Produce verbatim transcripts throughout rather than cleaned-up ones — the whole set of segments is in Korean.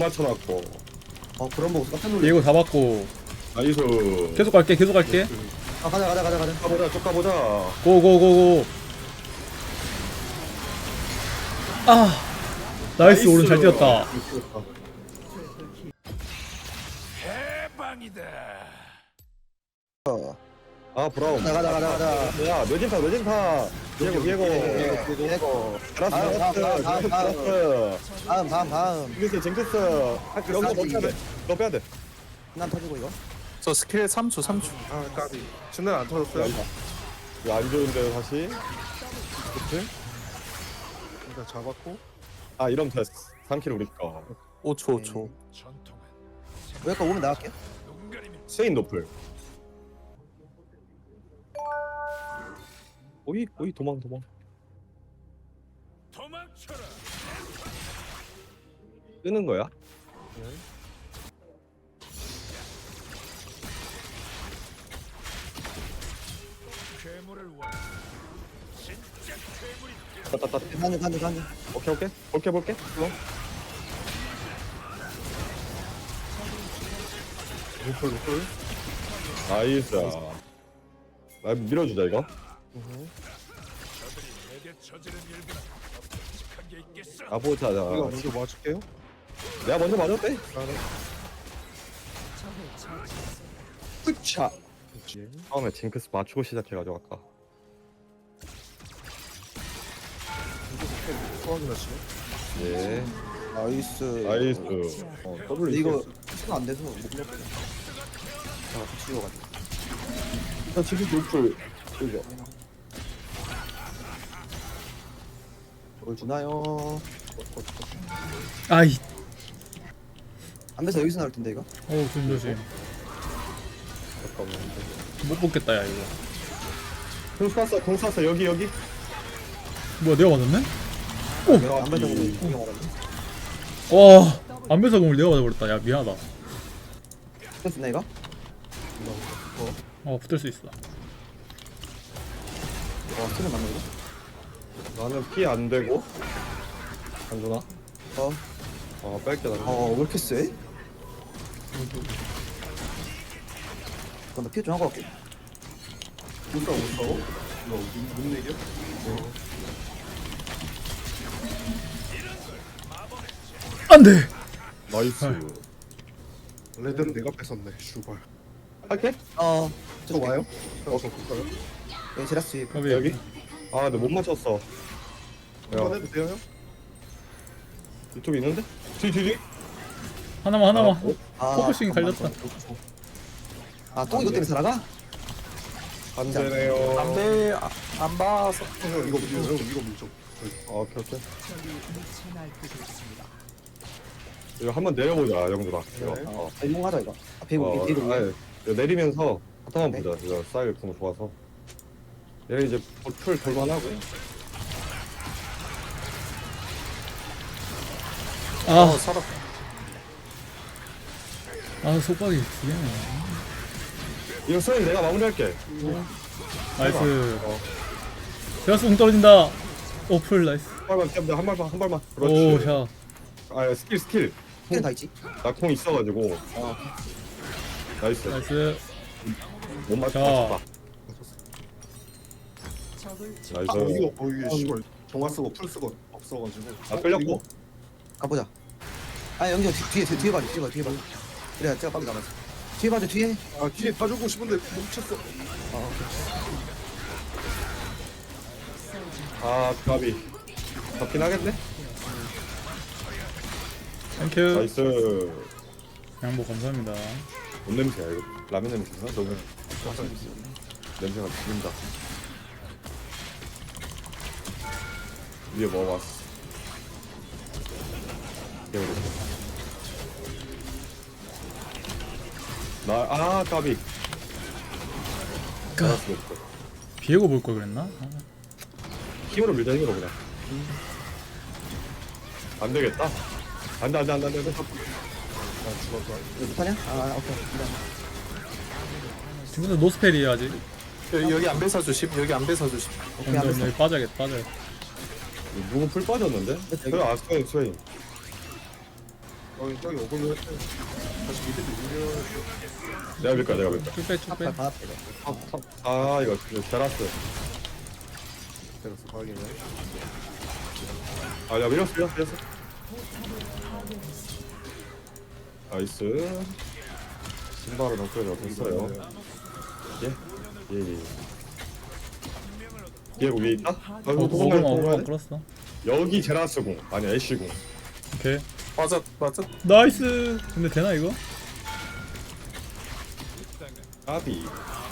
맞춰놨고. 어 그런 거 깜짝 놀래. 얘고 잡았고 나이스. 계속 갈게 계속 갈게 아 가자 가자 가자 가자. 가보자, 쭉 가보자. 고고고고 아 나이스 오른 잘 뛰었다 아, 브라운. 가자 가자 가자 가자. 야, 뇌진파, 뇌진파. 예고, 예고. 예고 예고. 라스, 다음, 라스, 다음, 다음, 다음. 라스. 다음 다음 다음. 징크스, 징크스. 여기서 너 빼야 돼. 너 빼야 돼. 난 터지고 이거. 저 스킬 삼 초 삼 초. 아 까비 중간 안 터졌어요? 이거 안 좋은데, 다시. 그치? 일단 잡았고 아, 이러면 됐어. 삼 킬 우리 거. 오 초 오 초. 여기까지 오면 나갈게. 스웨인 노플. 오이, 오이, 도망, 도망. 끄는 거야? 따따따. 간다 간다 간다. 오케이, 오케이. 볼게, 볼게. 들어. 노플 노플 나이스. 아, 밀어주자, 이거. 가보자. 이거 먼저 맞을게요. 내가 먼저 맞아도 돼. 아, 네. 으차. 그렇지. 처음에 징크스 맞추고 시작해가지고 아까. 소화기 나시네. 예. 나이스. 나이스. 어, 더블 근데 이거 시간 안 돼서 못 먹겠다. 자 같이 이어가지고. 일단 지금 노플. 그죠. 뭘 주나요? 아이 안돼서 여기서 나올 텐데 이거. 어우 조심조심 잠깐만. 못 뽑겠다 야 이거 공 쐈어, 공 쐈어. 여기, 여기. 뭐야 내가 맞았네? 안 받아보고 이거 먹었네. 와 안배사공을 내가 맞아버렸다 야 미안하다 됐나 이거? 어 붙을 수 있어 와 스는 맞나 이거? 나는 피 안 되고. 안 주나? 어. 어, 뺄게 나. 어왜 이렇게 세? 그럼 나 피해 좀 하고 갈게. 못 싸워 못 싸워? 이거 못, 못 내겨? 안돼 나이스. 레드는 내가 뺏었네. 슈발. 할게? 어. 저 와요? 어, 저 볼까요? 예 제라스. 여기 여기? 아, 근데 못 맞췄어. 한번 야, 해도 돼요 형? 유튜브 있는데? 뒤, 뒤, 뒤. 하나만 하나만 어? 아, 포커싱이 잠깐만. 갈렸다. 아또 이거 때문에 살아가? 안 되네요. 안돼 안 봐서. 형 이거 밀죠 형 이거 밀죠. 어, 오케이, 오케이. 이거 한번 내려보자, 영준아. 이거. 네. 어. 아, 이거 하자 이거. 아 배구 어, 배구. 아니, 이거 내리면서 바탕만 네. 보자. 이거 사일 궁 좋아서. 얘 이제 풀 돌만하고. 아, 어 살아. 아 속박이 두개네 이거 스웨인 내가 마무리할게. 나이스 어. 제라스 공 떨어진다 오플 나이스 한 발만 피하면 한 발만, 한 발만. 그렇지. 오샷 아, 스킬, 스킬. 스킬은 다 있지. 나 콩 있어가지고. 어. 나이스. 나이스 못 맞- 자. 맞췄다. 아 나이스. 이거 어 이게 씨발 정화 쓰고 풀 쓰고 없어가지고. 아, 끌렸고. 가보자. 아 영경 뒤에 뒤에 뒤에 봐줘 뒤에 봐 뒤에 봐. 그래 제가 빨리 남았어. 뒤에 봐줘 뒤에. 아 뒤에 봐주고 싶은데 멈췄어. 어 아, 까비. 잡긴 하겠네? 땡큐 나이스. 양보 감사합니다 뭔 냄새야, 이거. 라면 냄새나? 너무. 냄새가 죽인다. 위에 먹어봤어. 깨우르. 나, 아, 까비. 까. 알았어, 없어. 비에고 볼 걸 그랬나? 아, 힘으로 밀자, 힘으로 그냥. 안 되겠다. 안 돼, 안 돼, 안 돼, 안 돼. 안 돼. 아 죽었다. 이거 못하냐? 아 오케이. 일단. 지금도 노스펠이야 아직 여기 여기 안 뺏어 주심. 여기 안 뺏어 주심. 오케이 여기 알았어. 여기 빠져야겠다 빠져야겠다 누구 풀 빠졌는데? 여기. 그래, 아, 스웨인, 스웨인. 어 저기 오글로 했어요. 다시 밑에 밀려. 내가 밀까 내가 밀까. 쭉빼 쭉빼. 탑발 받았다 이거. 아 이거 이거 제라스. 때렸어 확인해. 아 내가 밀었어 밀었어 밀었어. 나이스. 신발은 업그레이드가 됐어요. 예? 예예. 얘 위에 있다? 어 아이고 오그마 도망가야 오그마 돼. 끌었어. 여기 제라스 공 아니 애쉬 공. 오케이. 맞아 맞아. 나이스. 근데 되나 이거? 까비.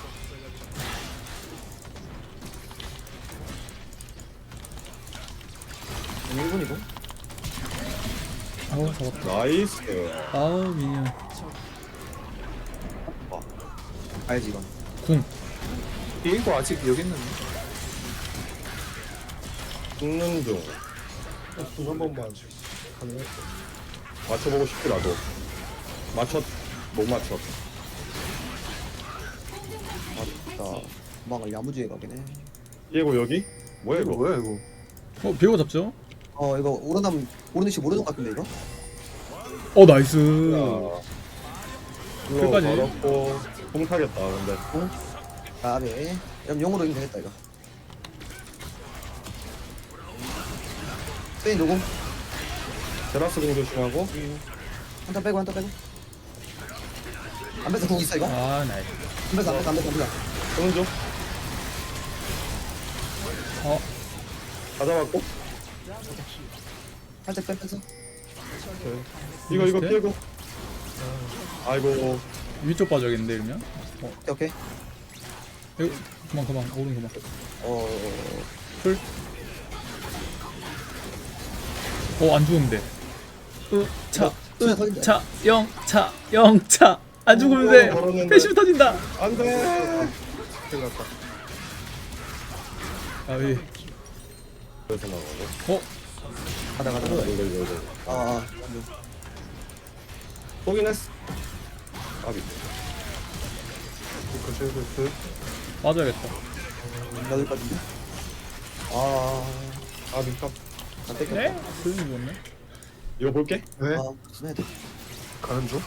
일 분이고. 아우 잡았다. 나이스. 아우 미니언. 알지 이건. 궁. 비행고 아직 여기 있는데. 죽는 중. 한 번만 가능해. 맞춰보고 싶더라도 맞췄 못 맞췄. 자, 도망을 야무지게 가긴 해. 얘고 여기? 뭐야 이거 이거? 뭐야 이거? 어 비고 잡죠? 어 이거 오르남 오르는시 모르는 것 같은데 이거? 어 나이스. 야. 끝까지. 어렵고 공 타겠다 근데. 아 네. 그럼 용으로 이기면 되겠다 이거. 스페인 누구? 제라스 공 조심하고. 한타 빼고 한타 빼고. 안배사 공 있어 이거? 아 나이스. 안배사 안배사 안배사 안배사. 공 좀. 어 다 잡았고. 살짝 빼 빼서. 이거 이거 비슷해? 피해고. 아이고. 위쪽 빠져야겠는데 이러면? 어 오케이. 이거 그만 그만 오른 그만. 어. 풀. 어안 죽으면 돼. 으차 또 터진다. 차 영차 영차 안 죽으면 오, 돼. 걸었는데. 패시브 터진다. 안돼. 큰일 났다. 아이. 그래서 나가고. 어 가다 가다 이거 가다. 이거 이거. 이거. 아 아. 포긴 했어. 아비. 그 쉐이크 맞아야겠다. 넣을 것 같은데? 아. 아비 탑. 안 뺏겼다. 네? 소용이 좋네. 이거 볼게. 네. 아 무슨 해야 돼? 가는 중.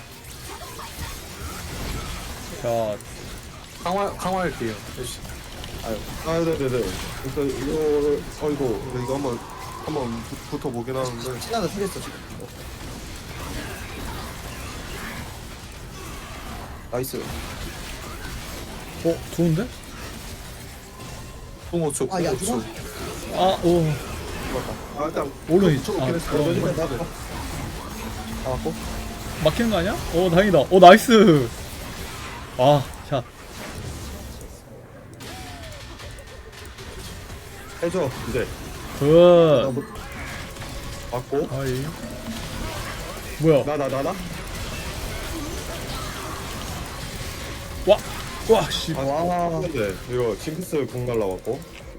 자 강화 강화할게요. 역시. 아 네네네. 일단 이거를 어이구. 근데 이거 한번 한번 부- 붙어 보긴 하는데. 신나다 쓰겠어 지금. 나이스. 어 좋은데? 공오초 아, 야, 공오초. 아오 아 일단 오른 있. 쭉 아 오긴 했어. 그럼 나도. 나왔고. 막히는 거 아니야? 오 다행이다. 오 나이스. 아 샷. 해줘. 이제 굿. 받고. 아이. 뭐야? 나 나 나 나. 와. 와 씨. 아, 와. 근데 이거 징크스 공 날라왔고.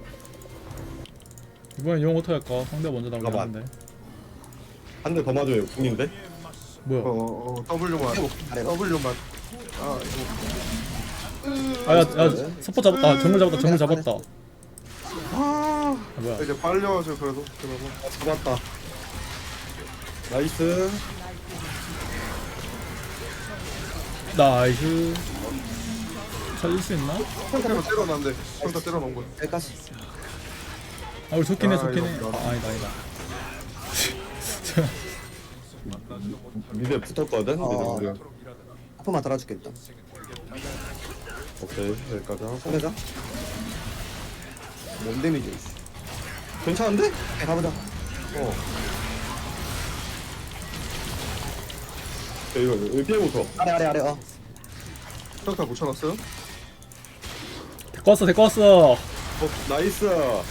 이번엔 용 어떻게 할까? 상대 먼저 나오긴 가만. 하는데. 한 대 더 맞으면 궁인데. 뭐야? 어, 어 W만. 아래로. W만. 아 이거. 아야 야 서포 잡았다. 아, 정글 잡았다. 정글 잡았다. 아. 아, 뭐야? 이제 빨려가지고 그래도 그러면. 아, 잡았다. 나이스. 나이스. 살릴 수 있나? 평타로 때려놨는데 평타 때려놓은 거야. 여기까지. 아 우리 좋긴 해 아, 좋긴 해. 이거 아, 아니다 아니다. 미드에 붙었거든. 어. 미드 미드. 아프만 달아줄게 일단. 오케이 여기까지 하고. 상대자. 뭔 데미지? 괜찮은데? 오케이 가보자. 어. 야, 이거 여기 피해부터. 아래 아래 아래 어. 평타 붙여놨어요? 데리고 왔어 데리고 왔어. 어 나이스.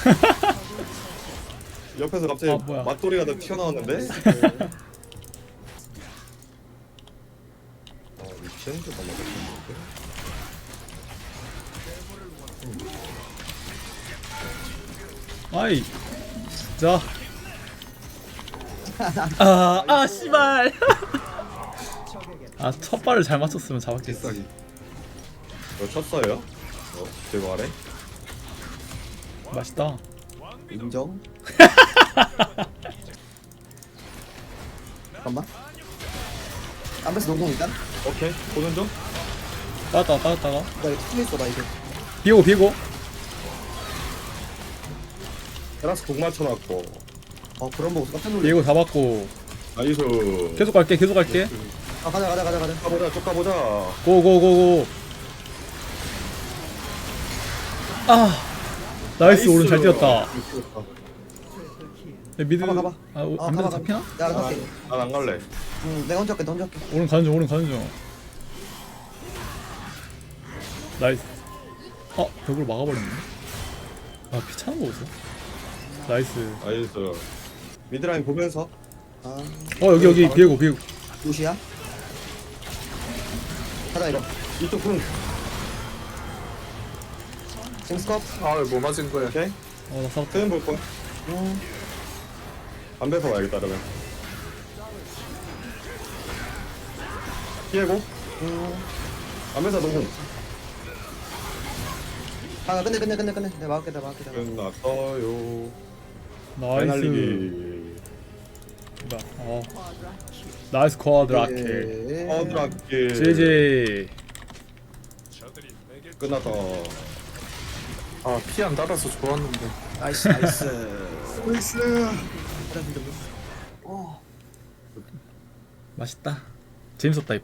옆에서 갑자기 아, 뭐야. 맞돌이가 다 튀어나왔는데. 아 미친 듯 넘어갔는데. 아이 진짜. 아아 씨발. 아 첫 발을 잘 맞췄으면 잡았겠어. 이거 쳤어요? 어 제거 아래? 맛있다. 인정. 잠깐만. 안배스 농공 일단. 오케이 보는 중. 빠졌다가 빠졌다가 나 이거 투 있어 나 이거. 비고 비고 테라스 공 맞춰놨고. 어 그런 거 깜짝 놀래. 비고 잡았고 나이스. 계속 갈게 계속 갈게 아 가자 가자 가자 가자. 가보자 쭉 가보자. 고고고고 아 나이스 오른 잘 뛰었다 야, 미드 가봐, 가봐. 아 오, 아, 안 가봐, 되나 잡히나? 야 알아서 할게. 난안 갈래. 응 내가 혼자 할게 너 혼자 할게. 오른 가는 중 오른 가는 중 나이스 어 벽으로 막아버렸네 아 피 차는 거 보소 나이스 나이스. 미드라인 보면서. 아 어 여기 여기 비에고 비에고 루시야. 가자 이거. 이쪽 공. 징스컵. 아뭐 맞은 거야. 오케이. 어나 살았다 세ven 볼 거야. 음. 안 뺏어 와야겠다 그러면. 피해고. 음. 안 뺏어 노공. 아 끝내 끝내 끝내 끝내. 내가 막을게 내가 막을게 내가. 막을게. 끝났어요. 나이스 날리기. 어 나이스 쿼드라킬 예. 어드라킬. 지지 끝났다. 아 피 안 달아서 좋았는데. 나이스 나이스. 나이스. 어. 맛있다 재밌었다 이거